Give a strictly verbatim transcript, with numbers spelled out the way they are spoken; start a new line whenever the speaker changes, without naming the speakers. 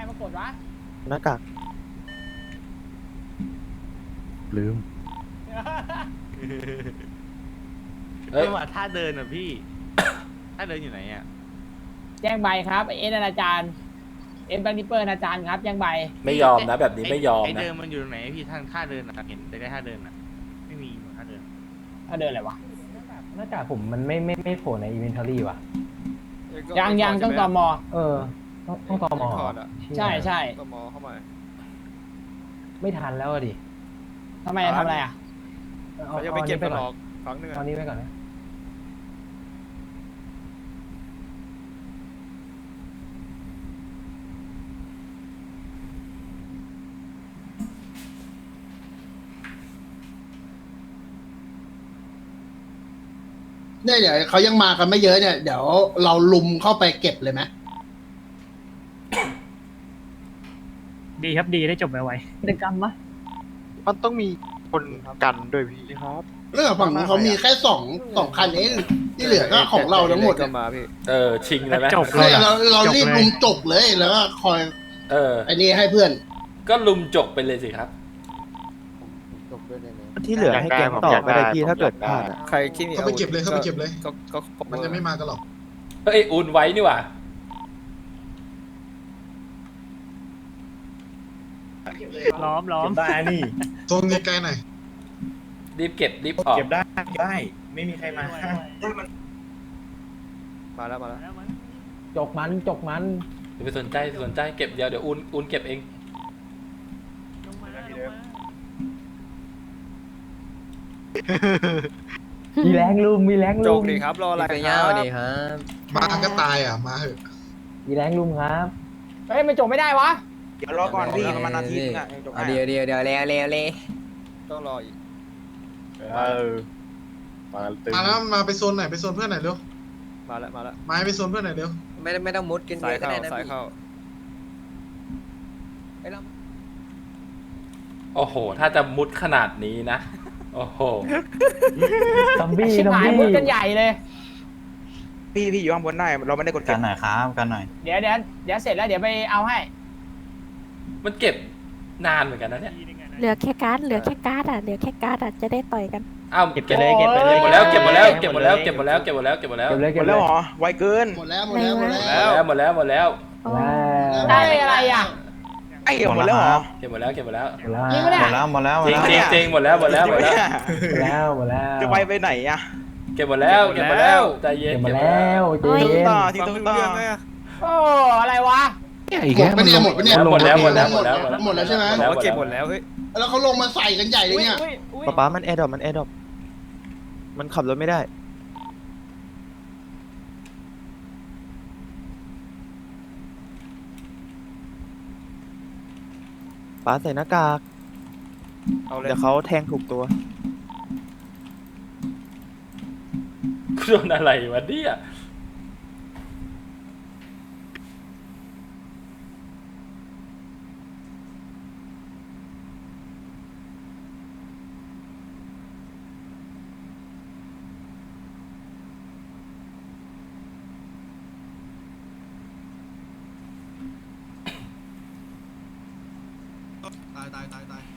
มากดวะ
หน้ากากลืม
เอ้ยว่าท่าเดินอ่ะพี่ ท่าเดินอยู่ไหนอ่ะ
แจ้งใบครับเอ็นอนาจารย์เอ็นบังนิเปอร์อนาจารย์ครับแจ้งใบ
ไม่ยอมนะแบบนี้ไม่ยอม
ไอ
นะ
เดินมันอยู่ตรงไหนพี่ทางท่าเดินอ่ะเห็นแต่ได้ท่าเดินอ่ะไม่มีหนูท่าเดิน
ถ้าเดินอะไรวะ
หน้ากากผมมันไม่ไม่ไม่โผล่ในอินเวนทอรี่ว่ะ
ยังยังต้องตอมอ
เออ ต้องต้องตอมอ
ใช่ใช่
ตมเข้ามา
ไม่ทันแล้วอะดิ
ทำไมอะทำอะไรอ่ะ
เอา
เขาจะ
เอา
ไป
อัน
เก็บ
นี้ไป
กันหร
ก่อ
อน กครั้งหนึง
เอาอันนี้ไปก่อนนะ
เนี่ยเดี๋ยวเขายังมากันไม่เยอะเนี่ยเดี๋ยวเราลุมเข้าไปเก็บเลยไหม
ดีครับดีได้จบไว
กิจกรรมปะ
มันต้องมีคนกันด้วยพี่ครับ
เรื่องฝั่งนู้นเขามีแค่สองสองคันเองที่เหลือก็ของเราทั้งหมด
ก็
อะ
มาพี่
เออชิงเลยไหม
จบเลย
เนี่ย
อะ
เราเรารีบลุมจบเลยแล้วก็คอย
เออ
ไอ้นี่ให้เพื่อน
ก็ลุมจกไปเลยสิครับ
ที่เหลือให้แกงต่อก็ได้พี่ถ้าเกิดพลาดอะ
ใครที่มี
เข้าไปเก็บเลยเข้าไปเก็บเลย
ก็ก็ก็
มันจะไม่มากันหรอก
เฮ้ยอุ่นไว้นี่หว่า
ๆล้อมล้อม
ได้นี่
โซนไกลๆหน่อย
รีบเก็บรีบออก
เก็บได้เก็บได้ ไม่มีใครมา
มาแล้วมาแล้ว
จกมันจกมัน
อย่าไปสนใจสนใจเก็บเดี๋ยวเดี๋ยวอุ่นอุ่นเก็บเอง
มีแรงลุมมีแรง
จ
ลุ
ก
ม
ดีครับรออะไร
ไป
ค
ยาว
รับ
ดีครับ
มาก็ตายอ่ะ มาเหอะ
มีแรงลุมครับ
เฮ้ยมันจบไม่ได้วะ
เดี๋ยวรอก่อนพี่ประมาณนาทีนึงอ่ะจบ
เดี๋ยวเดี๋ยวเดี๋ยวเร็วเร็วเร็ว
ต้องรออีก
เออมาตึง
มาแล้วมาไปโซนไหนไปโซนเพื่อนไหนอยเร็ว
มาแล้วมาแล้ว
มาไปโซนเพื่อนไหนอยเร็ว
ไม่ไม่ต้องมุดกัน
สายเข้าสายเข้า
โอ้โห ถ้าจะมุดขนาดนี้นะ โอ้โห
ซอมบี้
ชิบ
ซอม
หาย
บี้
มุดกันใหญ่เลย
พี่พี่อยู่ข้างบนได้เราไม่ได้กด
กั
เก็
น
บ
หน่อยครับกันหน่อย
เดี๋ยวเดี๋ยวเดี๋ยวเสร็จแล้วเดี๋ยวไปเอาให้
มันเก็บนานเหมือนกันนะเนี่ย
เหลือแค่การ์ดเหลือแค่การ์ดอ่ะเหลือแค่การ์ดอ่ะจะได้ต่อยกัน
อ้าว
เก็บไปเลยเก็บไปเลย
หมดแล้วเก็บหมดแล้วเก็บหมดแล้วเก็บหมดแล้วเก็บหมดแล้วเก็บหมดแล้ว
เก็บเลย
หม
เก็บ
ด
เล
แล้ว
ย
เหรอไวเกิน
หมดแล้วหมดแล้วหมด
หม
แล้
ด
ว
แล้วหมดแล้วหมดแล้ว
อ๋อ
ได้อะไรอ่ะ
ไอ้เหี้ยหมดแล้วเหรอ
เก็บหมดแล้วเก็บหมดแล้ว
จริงปะเนี่ย
หมดแล้วหมดแล้วหม
จ
ด
ริง
แล้ว
จริงจริงหมดแล้วหมดแล้วหมดแล้ว
หมดแล้วหมดแล้ว
จะไปไปไหนอ่ะ
เก็บหมดแล้วเก็บหมดแล้วใจเย็น
เก็บหมดแล้วเจ
ทิ้ง
เย็น
ต่อทิ้งต่อต่อ
โอ้อะไรวะ
หมดปะเนี่ยหมดปะเนี่ย
หมดแล้วหมดแล้วหมดแล้ว
หมดแล้วใช่ไหม
บอกว่าเก็บหมดแล้วเฮ้ย
แล้วเขาลงมาใส่กันใหญ่เลยเนี่ย
อุ๊อุ๊ย
ป๊าป๊ามันแอร์ดรอปมันแอร์ดรอปมันขับรถไม่ได้ป๊าใส่หน้ากาก
เอาเลย
เดี๋ยวเขาแทงถูกตัว
โดนอะไรวะเนี่ย
ตายตายตายตาย